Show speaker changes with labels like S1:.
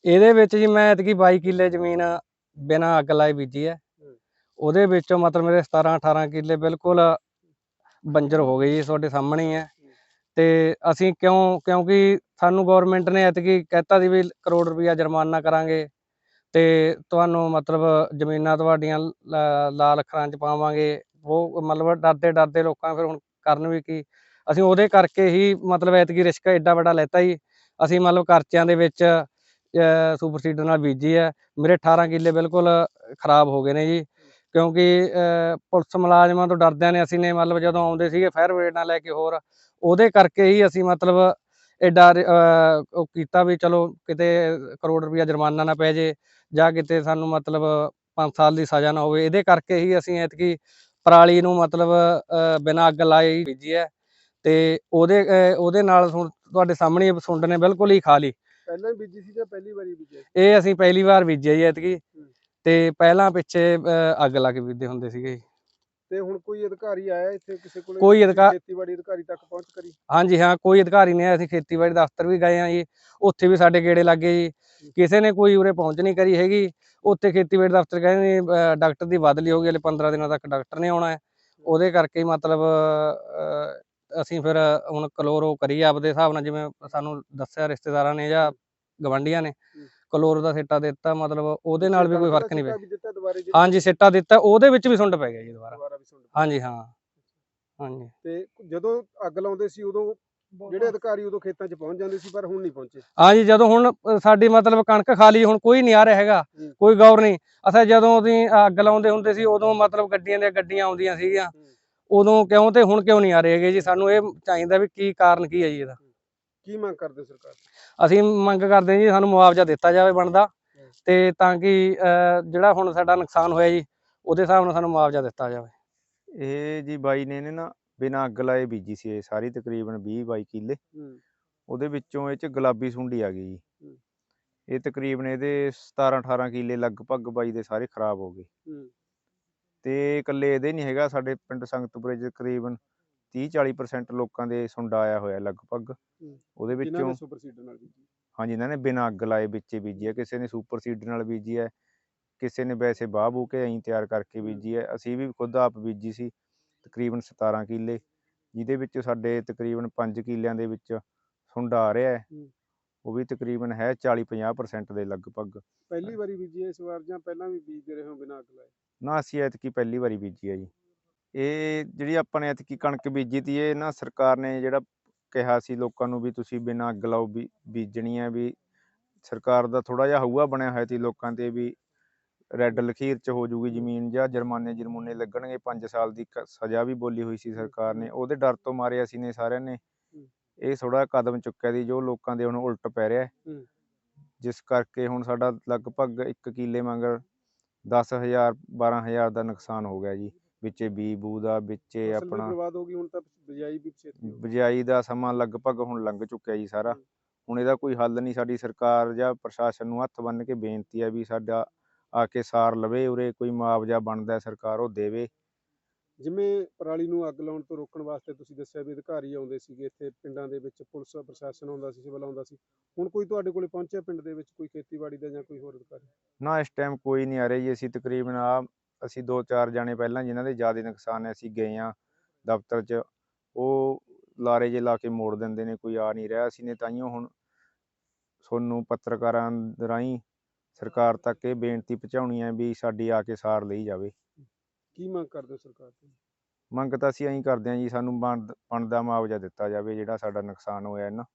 S1: ਇਹਦੇ ਵਿੱਚ ਜੀ ਮੈਂ ਐਤਕੀ 22 ਕਿੱਲੇ ਜ਼ਮੀਨ ਬਿਨਾਂ ਅੱਗ ਲਾਏ ਬੀਜੀ ਹੈ। ਉਹਦੇ ਵਿੱਚੋਂ ਮਤਲਬ ਮੇਰੇ 17-18 ਕਿੱਲੇ ਬਿਲਕੁਲ ਬੰਜਰ ਹੋ ਗਏ ਜੀ, ਤੁਹਾਡੇ ਸਾਹਮਣੇ ਹੀ ਹੈ। ਤੇ ਅਸੀਂ ਕਿਉਂਕਿ ਸਾਨੂੰ ਗਵਰਨਮੈਂਟ ਨੇ ਐਤਕੀ ਕਹਿਤਾ ਸੀ ਵੀ ਕਰੋੜ ਰੁਪਈਆ ਜੁਰਮਾਨਾ ਕਰਾਂਗੇ ਤੇ ਤੁਹਾਨੂੰ ਮਤਲਬ ਜ਼ਮੀਨਾਂ ਤੁਹਾਡੀਆਂ ਲਾਲ ਅੱਖਰਾਂ 'ਚ ਪਾਵਾਂਗੇ। ਉਹ ਮਤਲਬ ਡਰਦੇ ਲੋਕਾਂ ਫਿਰ ਹੁਣ ਕਰਨ ਵੀ ਕੀ। ਅਸੀਂ ਉਹਦੇ ਕਰਕੇ ਹੀ ਮਤਲਬ ਐਤਕੀ ਰਿਸਕ ਐਡਾ ਵੱਡਾ ਲੈਤਾ ਜੀ। ਅਸੀਂ ਮਤਲਬ ਖਰਚਿਆਂ ਦੇ ਵਿੱਚ ਸੁਪਰ ਸੀਡਰ ਨਾਲ ਬੀਜੀ ਹੈ। ਮੇਰੇ 18 ਕਿੱਲੇ ਬਿਲਕੁਲ ਖਰਾਬ ਹੋ ਗਏ ਨੇ ਜੀ, ਕਿਉਂਕਿ ਪੁਲਿਸ ਮੁਲਾਜ਼ਮਾਂ ਤੋਂ ਡਰਦਿਆਂ ਨੇ ਅਸੀਂ ਨੇ ਮਤਲਬ ਜਦੋਂ ਆਉਂਦੇ ਸੀਗੇ ਫਾਇਰ ਬ੍ਰਿਗੇਡ ਨਾਲ ਲੈ ਕੇ ਹੋਰ, ਉਹਦੇ ਕਰਕੇ ਹੀ ਅਸੀਂ ਮਤਲਬ ਐਡਾ ਉਹ ਕੀਤਾ ਵੀ ਚਲੋ ਕਿਤੇ ਕਰੋੜ ਰੁਪਈਆ ਜੁਰਮਾਨਾ ਨਾ ਪੈ ਜੇ ਜਾਂ ਕਿਤੇ ਸਾਨੂੰ ਮਤਲਬ 5 ਸਾਲ ਦੀ ਸਜ਼ਾ ਨਾ ਹੋਵੇ। ਇਹਦੇ ਕਰਕੇ ਹੀ ਅਸੀਂ ਐਤਕੀ ਪਰਾਲੀ ਨੂੰ ਮਤਲਬ ਬਿਨਾਂ ਅੱਗ ਲਾਏ ਹੀ ਬੀਜੀ ਹੈ। ਤੇ ਉਹਦੇ ਨਾਲ ਤੁਹਾਡੇ ਸਾਹਮਣੇ ਸੁੰਡ ਨੇ ਬਿਲਕੁਲ ਹੀ ਖਾ ਲਈ।
S2: ਪਹਿਲਾਂ ਬੀਜੀ ਸੀ ਜਾਂ ਪਹਿਲੀ ਵਾਰੀ ਬੀਜਿਆ?
S1: ਇਹ ਅਸੀਂ ਪਹਿਲੀ ਵਾਰ ਬੀਜਿਆ ਜੀ ਐਤਕੀ, ਤੇ ਪਹਿਲਾਂ ਪਿੱਛੇ ਅੱਗ ਲਾ ਕੇ ਬੀਜਦੇ ਹੁੰਦੇ ਸੀਗੇ ਜੀ।
S2: ਤੇ ਹੁਣ ਕੋਈ ਅਧਿਕਾਰੀ ਆਇਆ ਇੱਥੇ ਕਿਸੇ ਕੋਲੇ,
S1: ਕੋਈ
S2: ਖੇਤੀਬਾੜੀ ਅਧਿਕਾਰੀ ਤੱਕ ਪਹੁੰਚ ਕਰੀ?
S1: ਹਾਂਜੀ ਹਾਂ, ਕੋਈ ਅਧਿਕਾਰੀ ਨਹੀਂ ਆਇਆ। ਅਸੀਂ ਖੇਤੀਬਾੜੀ ਦਫ਼ਤਰ ਵੀ ਗਏ ਹਾਂ ਜੀ, ਉੱਥੇ ਵੀ ਸਾਡੇ ਗੇੜੇ ਲੱਗੇ ਜੀ, ਕਿਸੇ ਨੇ ਕੋਈ ਉਰੇ ਪਹੁੰਚ ਨਹੀਂ ਕਰੀ ਹੈਗੀ। ਉੱਥੇ ਖੇਤੀਬਾੜੀ ਦਫ਼ਤਰ ਕਹਿੰਦੇ ਡਾਕਟਰ ਦੀ ਬਦਲੀ ਹੋ ਗਈ, ਹਲੇ 15 ਦਿਨਾਂ ਤੱਕ ਡਾਕਟਰ ਨੇ ਆਉਣਾ ਹੈ। ਉਹਦੇ ਕਰਕੇ ਮਤਲਬ ਅਸੀਂ ਫਿਰ ਹੁਣ ਕਲੋਰੋ ਕਰੀ ਆਪਦੇ ਹਿਸਾਬ ਨਾਲ, ਜਿਵੇਂ ਸਾਨੂੰ ਦੱਸਿਆ ਰਿਸ਼ਤੇਦਾਰਾਂ ਨੇ ਜਾਂ ਗਵਾਂਢੀਆਂ ਨੇ, ਕਲੋਰੋ ਦਾ ਸਿੱਟਾ ਦਿੱਤਾ। ਮਤਲਬ ਉਹਦੇ ਨਾਲ ਵੀ ਕੋਈ ਫਰਕ ਨਹੀਂ ਪਿਆ। ਹਾਂਜੀ ਸਿੱਟਾ ਦਿੱਤਾ, ਉਹਦੇ ਵਿੱਚ ਵੀ ਸੁੰਡ ਪੈ ਗਿਆ ਜੀ ਦੁਬਾਰਾ। ਹਾਂਜੀ ਹਾਂ, ਹਾਂਜੀ।
S2: ਤੇ ਜਦੋਂ ਅੱਗ ਲਾਉਂਦੇ ਸੀ ਉਦੋਂ ਜਿਹੜੇ ਅਧਿਕਾਰੀ ਉਦੋਂ ਖੇਤਾਂ 'ਚ ਪਹੁੰਚ ਜਾਂਦੇ ਸੀ, ਪਰ ਹੁਣ ਨਹੀਂ ਪਹੁੰਚੇ?
S1: ਹਾਂਜੀ, ਜਦੋਂ ਹੁਣ ਸਾਡੀ ਮਤਲਬ ਕਣਕ ਖਾ ਲਈ, ਹੁਣ ਕੋਈ ਨਹੀਂ ਆ ਰਿਹਾ ਹੈਗਾ, ਕੋਈ ਗੌਰ ਨਹੀਂ। ਅੱਛਾ, ਜਦੋਂ ਅਸੀਂ ਅੱਗ ਲਾਉਂਦੇ ਹੁੰਦੇ ਸੀ ਉਦੋਂ ਮਤਲਬ ਗੱਡੀਆਂ ਦੀਆਂ ਗੱਡੀਆਂ ਆਉਂਦੀਆਂ ਸੀਗੀਆਂ ਉਦੋਂ, ਕਿਉਂ ਤੇ ਹੁਣ ਕਿਉਂ ਨਹੀਂ ਆ ਰਹੇ ਹੈਗੇ ਜੀ। ਸਾਨੂੰ ਇਹ ਚਾਹੀਦਾ ਵੀ ਕੀ ਕਾਰਨ ਕੀ ਹੈ ਜੀ ਇਹਦਾ।
S2: ਕੀ ਮੰਗ ਕਰਦੇ ਸਰਕਾਰ?
S1: ਅਸੀਂ ਮੰਗ ਕਰਦੇ ਜੀ ਸਾਨੂੰ ਮੁਆਵਜ਼ਾ ਦਿੱਤਾ ਜਾਵੇ ਬਣਦਾ, ਤੇ ਤਾਂ ਕਿ ਜਿਹੜਾ ਹੁਣ ਸਾਡਾ ਨੁਕਸਾਨ ਹੋਇਆ ਜੀ ਉਹਦੇ ਹਿਸਾਬ ਨਾਲ ਸਾਨੂੰ ਮੁਆਵਜ਼ਾ ਦਿੱਤਾ ਜਾਵੇ।
S3: ਇਹ ਜੀ ਬਾਈ ਨੇ ਨਾ ਬਿਨਾਂ ਅੱਗ ਲਾਏ ਬੀਜੀ ਸੀ ਇਹ ਸਾਰੀ, ਤਕਰੀਬਨ 20-22 ਕਿੱਲੇ। ਉਹਦੇ ਵਿੱਚੋਂ ਇਹ 'ਚ ਗੁਲਾਬੀ ਸੁੰਡੀ ਆ ਗਈ ਜੀ। ਇਹ ਤਕਰੀਬਨ ਇਹਦੇ 17-18 ਕਿੱਲੇ ਲਗਭਗ ਬਾਈ ਦੇ ਸਾਰੇ ਖਰਾਬ ਹੋ ਗਏ। ਤੇ ਇਕੱਲੇ ਇਹਦੇ ਨਹੀਂ ਹੈਗਾ, ਸਾਡੇ ਪਿੰਡ ਸੰਗਤਪੁਰੇ 'ਚ ਤਕਰੀਬਨ 30-40% ਲੋਕਾਂ ਦੇ ਸੁੰਡਾ ਆਇਆ ਹੋਇਆ ਲਗਭਗ। ਉਹਦੇ ਵਿੱਚੋਂ ਹਾਂਜੀ, ਇਹਨਾਂ ਨੇ ਬਿਨਾਂ ਅੱਗ ਲਾਏ ਵਿੱਚੇ ਬੀਜੀ ਹੈ। ਕਿਸੇ ਨੇ ਸੁਪਰ ਸੀਡਰ ਨਾਲ ਬੀਜੀ ਹੈ, ਕਿਸੇ ਨੇ ਵੈਸੇ ਬਾਹ ਬੂ ਕੇ ਐਂ ਤਿਆਰ ਕਰਕੇ ਬੀਜੀ ਹੈ। ਅਸੀਂ ਵੀ ਖੁਦ ਆਪ ਬੀਜੀ ਸੀ ਤਕਰੀਬਨ 17 ਕਿੱਲੇ, ਜਿਹਦੇ ਵਿੱਚ ਸਾਡੇ ਤਕਰੀਬਨ 5 ਕਿੱਲਿਆਂ ਦੇ ਵਿੱਚ ਸੁੰਡਾ ਆ ਰਿਹਾ ਹੈ। ਉਹ ਵੀ ਤਕਰੀਬਨ ਹੈ 40-50% ਦੇ ਲਗਭਗ।
S2: ਪਹਿਲੀ ਵਾਰੀ ਬੀਜੀ ਇਸ ਵਾਰ ਜਾਂ ਪਹਿਲਾਂ ਵੀ ਬੀਜਦੇ ਰਹੇ ਹੋ ਬਿਨਾਂ ਅੱਗ ਲਾਏ?
S3: ਨਾ, ਅਸੀਂ ਐਤਕੀ ਪਹਿਲੀ ਵਾਰੀ ਬੀਜੀ ਹੈ ਜੀ। ਇਹ ਜਿਹੜੀ ਆਪਾਂ ਨੇ ਐਤਕੀ ਕਣਕ ਬੀਜੀ ਤੀ, ਇਹ ਨਾ ਸਰਕਾਰ ਨੇ ਜਿਹੜਾ ਕਿਹਾ ਸੀ ਲੋਕਾਂ ਨੂੰ ਵੀ ਤੁਸੀਂ ਬਿਨਾਂ ਅੱਗ ਲਾਓ ਬੀਜਣੀ ਹੈ, ਵੀ ਸਰਕਾਰ ਦਾ ਥੋੜ੍ਹਾ ਜਿਹਾ ਹਊਆ ਬਣਿਆ ਹੋਇਆ ਸੀ ਲੋਕਾਂ 'ਤੇ ਵੀ ਰੈੱਡ ਲਖੀਰ 'ਚ ਹੋ ਜੂਗੀ ਜ਼ਮੀਨ, ਜਾਂ ਜੁਰਮਾਨੇ ਲੱਗਣਗੇ। 5 ਸਾਲ ਦੀ ਸਜ਼ਾ ਵੀ ਬੋਲੀ ਹੋਈ ਸੀ ਸਰਕਾਰ ਨੇ। ਉਹਦੇ ਡਰ ਤੋਂ ਮਾਰੇ ਅਸੀਂ ਨੇ ਸਾਰਿਆਂ ਨੇ ਇਹ ਥੋੜ੍ਹਾ ਕਦਮ ਚੁੱਕਿਆ ਸੀ, ਜੋ ਲੋਕਾਂ ਦੇ ਹੁਣ ਉਲਟ ਪੈ ਰਿਹਾ, ਜਿਸ ਕਰਕੇ ਹੁਣ ਸਾਡਾ ਲਗਭਗ 1 ਕਿੱਲੇ ਮਗਰ 10,000-12,000 ਦਾ ਨੁਕਸਾਨ ਹੋ ਗਿਆ ਜੀ। ਵਿੱਚੇ ਬੀ ਬੂ ਦਾ, ਵਿੱਚੇ ਆਪਣਾ
S2: ਬਰਬਾਦ ਹੋ ਗਈ। ਹੁਣ ਤਾਂ
S3: ਬਿਜਾਈ ਦਾ ਸਮਾਂ ਲਗਭਗ ਹੁਣ ਲੰਘ ਚੁੱਕਿਆ ਜੀ ਸਾਰਾ। ਹੁਣ ਇਹਦਾ ਕੋਈ ਹੱਲ ਨਹੀਂ। ਸਾਡੀ ਸਰਕਾਰ ਜਾਂ ਪ੍ਰਸ਼ਾਸਨ ਨੂੰ ਹੱਥ ਬੰਨ੍ਹ ਕੇ ਬੇਨਤੀ ਹੈ ਵੀ ਸਾਡਾ ਆ ਕੇ ਸਾਰ ਲਵੇ, ਉਰੇ ਕੋਈ ਮੁਆਵਜ਼ਾ ਬਣਦਾ ਸਰਕਾਰ ਉਹ ਦੇਵੇ।
S2: ਜਿਵੇਂ ਪਰਾਲੀ ਨੂੰ ਅੱਗ ਲਾਉਣ ਤੋਂ ਰੋਕਣ ਵਾਸਤੇ ਤੁਸੀਂ ਦੱਸਿਆ ਵੀ ਅਧਿਕਾਰੀ ਆਉਂਦੇ ਸੀਗੇ ਇੱਥੇ ਪਿੰਡਾਂ ਦੇ ਵਿੱਚ, ਪੁਲਿਸ ਪ੍ਰਸ਼ਾਸਨ ਆਉਂਦਾ ਸੀ, ਸਿਵਲ ਆਉਂਦਾ ਸੀ, ਹੁਣ ਕੋਈ ਤੁਹਾਡੇ ਕੋਲੇ ਪਹੁੰਚਿਆ ਪਿੰਡ ਦੇ ਵਿੱਚ, ਕੋਈ ਖੇਤੀਬਾੜੀ ਦਾ ਜਾਂ ਕੋਈ ਹੋਰ ਅਧਿਕਾਰੀ?
S3: ਨਾ, ਇਸ ਟਾਈਮ ਕੋਈ ਨਹੀਂ ਆ ਰਿਹਾ ਜੀ। ਅਸੀਂ ਤਕਰੀਬਨ ਅਸੀਂ 2-4 ਜਾਣੇ ਪਹਿਲਾਂ ਜਿਨ੍ਹਾਂ ਦੇ ਜ਼ਿਆਦਾ ਨੁਕਸਾਨ ਹੈ, ਅਸੀਂ ਗਏ ਹਾਂ ਦਫ਼ਤਰ 'ਚ, ਉਹ ਲਾਰੇ ਜੇ ਲਾ ਕੇ ਮੋੜ ਦਿੰਦੇ ਨੇ, ਕੋਈ ਆ ਨਹੀਂ ਰਿਹਾ। ਅਸੀਂ ਨੇ ਤਾਂਹੀਓ ਹੁਣ ਤੁਹਾਨੂੰ ਪੱਤਰਕਾਰਾਂ ਰਾਹੀਂ ਸਰਕਾਰ ਤੱਕ ਇਹ ਬੇਨਤੀ ਪਹੁੰਚਾਉਣੀ ਹੈ ਵੀ ਸਾਡੀ ਆ ਕੇ ਸਾਰ ਲਈ ਜਾਵੇ।
S2: ਕੀ ਮੰਗ ਕਰਦੇ ਹੋ ਸਰਕਾਰ ਤੋਂ?
S3: ਮੰਗ ਤਾਂ ਅਸੀਂ ਐਂ ਕਰਦੇ ਹਾਂ ਜੀ, ਸਾਨੂੰ ਬਣਦਾ ਮੁਆਵਜ਼ਾ ਦਿੱਤਾ ਜਾਵੇ ਜਿਹੜਾ ਸਾਡਾ ਨੁਕਸਾਨ ਹੋਇਆ ਨਾ।